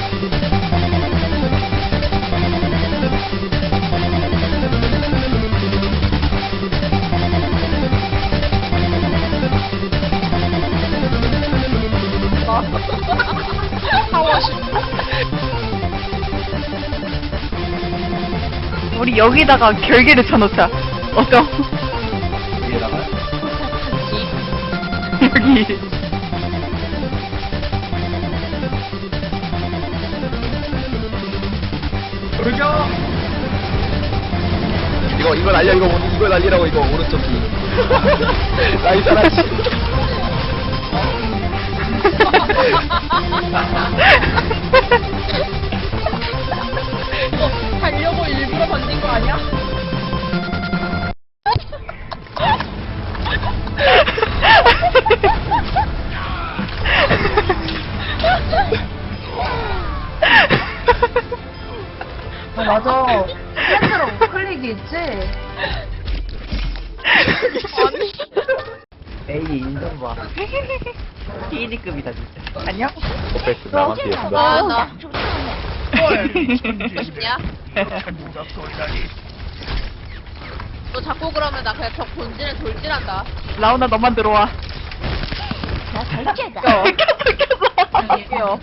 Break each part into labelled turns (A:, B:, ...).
A: 우리 여기다가 결계를 쳐놓자. 어떠?
B: 위에다가
A: 여기.
B: 돌격! 이거 날려, 이거 날리라고, 이거, 오른쪽 귀. 나이 사라지.
C: 가려고 일부러 던진 거 아니야?
D: 맞아. 팬으로 우클릭이 있지?
B: 에이, 인정봐.
A: K리급이다 진짜. 안녕?
B: 오페스 나만 피했어.
C: 나. 헐. 야? 너 자꾸 그러면 나 그냥 저 본진에 돌진한다.
A: 라우나 너만 들어와.
D: 나 결계다.
A: 껴.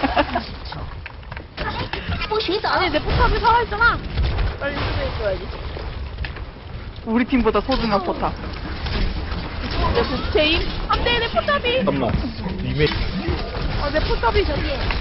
C: 아니 내 포탑이 살아있잖아. 빨리 수리해줘야지.
A: 우리 팀보다 소중한 포탑.
C: 내 부채임? 안돼 내 포탑이.
B: 잠깐만. 리메
C: 아 내 포탑이 저기.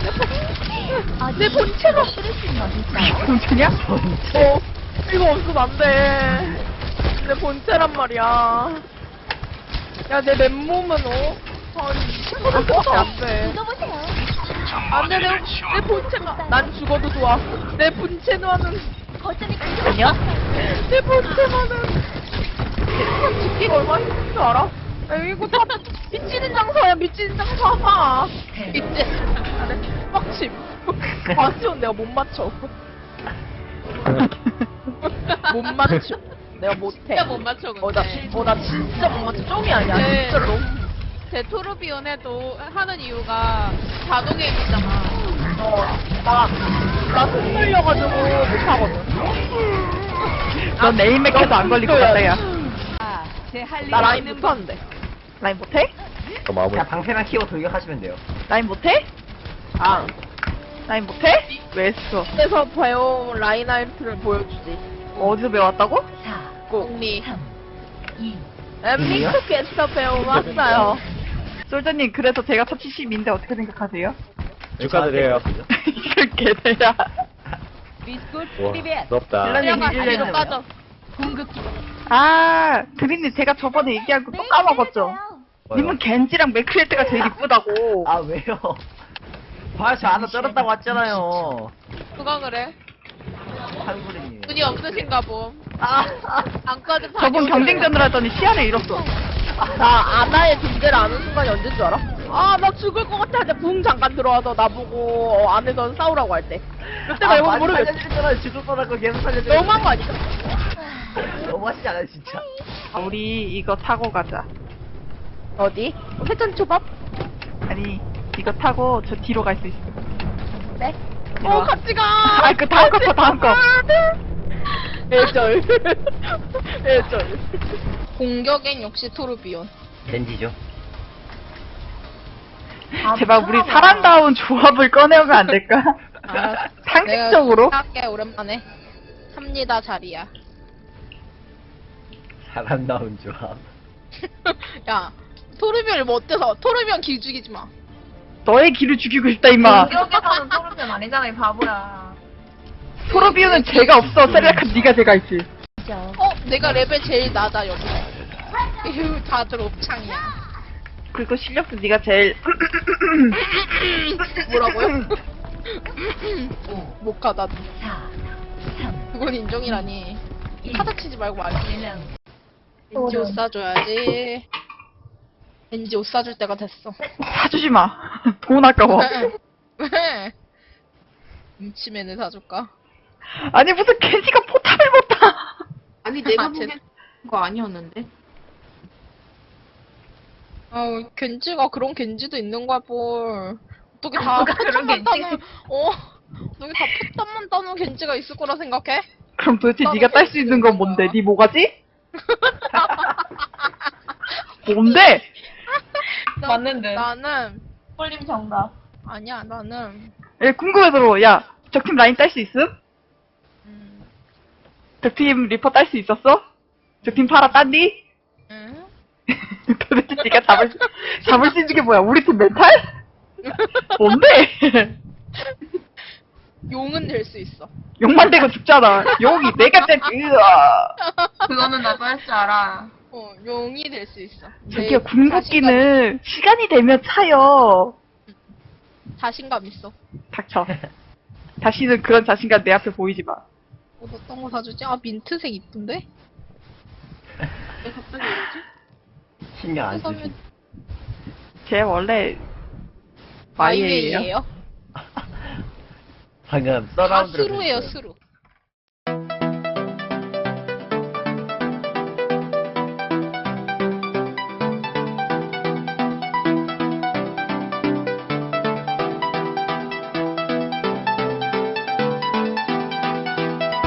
C: 내 본체가.
A: 공주냐?
C: 이거 없으면 안 돼. 내 본체란 말이야. 야 내 맨몸은 한 20%밖에 안 돼. 안 돼, 내 본체가. 난 죽어도 좋아. 내 본체만은.
A: 아니야?
C: 내 본체만은. 죽기가 얼마나 힘든 줄 알아? 야, 이거 다 미치는 장사야, 미치는 장사. 이제. 빡침. 맞춤 내가 못 맞춰. 못 맞춰. 내가 못해.
E: 진짜 못 맞춰 근데.
C: 나 진짜 못 맞춰. 좀이 아니야.
E: 네.
C: 진짜로.
E: 제 토르비온 해도 하는 이유가 자동 게임이잖아.
C: 나 손떨려가지고 못하거든.
A: 넌 에임맥 해도 안 걸릴 것 같다 야.
C: 나 라인 못하는데.
A: 라인 못해?
B: 마무리.
F: 방패만 키워 돌격하시면 돼요.
A: 라인 못해?
C: 아.
A: 라인 못해? 왜 했어?
C: 그래서 배운 라인하이트를 보여주지.
A: 어디서 배웠다고?
C: 꼭.
E: 공리.
C: 엠믹스에서 배워왔어요.
A: 솔저님 그래서 제가 첫 70인데 어떻게 생각하세요?
B: 축하드려요.
A: 이걸 개대야.
B: 와, 부럽다.
A: 딜러님
E: 들어가
A: 이길려나
E: 뒤로 빠져.
A: 아, 드린님 제가 저번에 얘기한 거 또 까먹었죠? 님은 겐지랑 맥크리에트가 제일 이쁘다고.
F: 아 왜요? 봐저 하나 쩔었다고 왔잖아요.
E: 누가 그래?
F: 한구리님.
E: 눈이 없으신가 봄.
F: 아,
E: 안까지
A: 저번 경쟁전을 하더니 시야를 잃었어.
C: 나 아나의 존재를 아는 순간이 언제인 줄 알아? 아, 나 죽을 것 같아 할 때 붕 잠깐 들어와서 나보고 안에서 싸우라고 할 때. 그때가 이거 모르겠어.
F: 살려주잖아요. 죽을 뻔하고 계속 살려줘.
C: 너무한 거 아니야?
F: 너무하시지 않아요 진짜.
A: 우리 이거 타고 가자.
C: 어디? 회전 초밥?
A: 아니, 이거 타고 저 뒤로 갈 수 있어.
C: 네?
A: 이리 와.
C: 같이 가!
A: 아, 그 다음 거 쳐, 다음 거.
C: 애절. 애절.
E: 공격엔 역시 토르비온.
F: 겐지죠.
A: 제발 우리 사람다운 조합을 꺼내오면 안 될까?
E: 알았어.
A: 상식적으로?
E: 내가 할게 오랜만에. 삽니다 자리야.
F: 사람다운 조합.
E: 야 토르비온을 뭐 어때서? 토르비온 길 죽이지 마.
A: 너의 길을 죽이고 싶다, 임마.
D: 공격에서는 토르비온 아니잖아, 이 바보야.
A: 토르비오는 죄가 없어. 세레라카 네가 죄가 있지.
E: 내가 레벨 제일 낮아 여기. 에휴 다들 옵창이야.
A: 그리고 실력도 네가 제일
E: 뭐라고요? 못하다. 그건 인정이라니. 카드 치지 말고 말지. 왠지 옷 사줘야지. 왠지 옷 사줄 때가 됐어.
A: 사주지 마. 돈 아까워.
E: 왜? 임치맨을 사줄까?
A: 아니 무슨 겐지가 포탑을 못 타.
G: 아니 내가
E: 아,
G: 보기엔 거 아니었는데.
E: 겐지가 그런 겐지도 있는 거야 뭘. 어떻게 다
D: 그런 게
E: 포탄만 따놓은 어떻게 다 포탄만 따놓은 겐지가 있을 거라 생각해?
A: 그럼 도대체 네가 딸 수 있는 건 뭔데? 네 뭐가지? 뭔데?
D: 맞는데.
C: 나는
D: 폴림 정답.
C: 아니야 나는
A: 야, 궁금해서 야 적팀 라인 딸 수 있음? 적팀 리퍼 딸 수 있었어? 적팀 파라 땄니?
C: 응?
A: 도대체 네가 잡을 수 있는 게 뭐야? 우리 팀 멘탈? 뭔데?
C: 용은 될 수 있어.
A: 욕만 대고 죽잖아. 욕이 내가 때
D: 그거는 나도 할 줄 알아.
C: 용이 될 수 있어.
A: 저기요 궁극기는 시간이 되면 차요.
C: 자신감 있어.
A: 닥쳐. 다시는 그런 자신감 내 앞에 보이지 마.
C: 어떤 거 사주지? 아 민트색 이쁜데?
G: 왜 갑자기 이러지?
F: 신경 안 쓰지.
C: 사면
A: 쟤 원래 마이웨이예요.
C: 마이웨이예요.
F: 방금
C: 다
F: 서라운드를
C: 스루예요
F: 했어요.
C: 스루.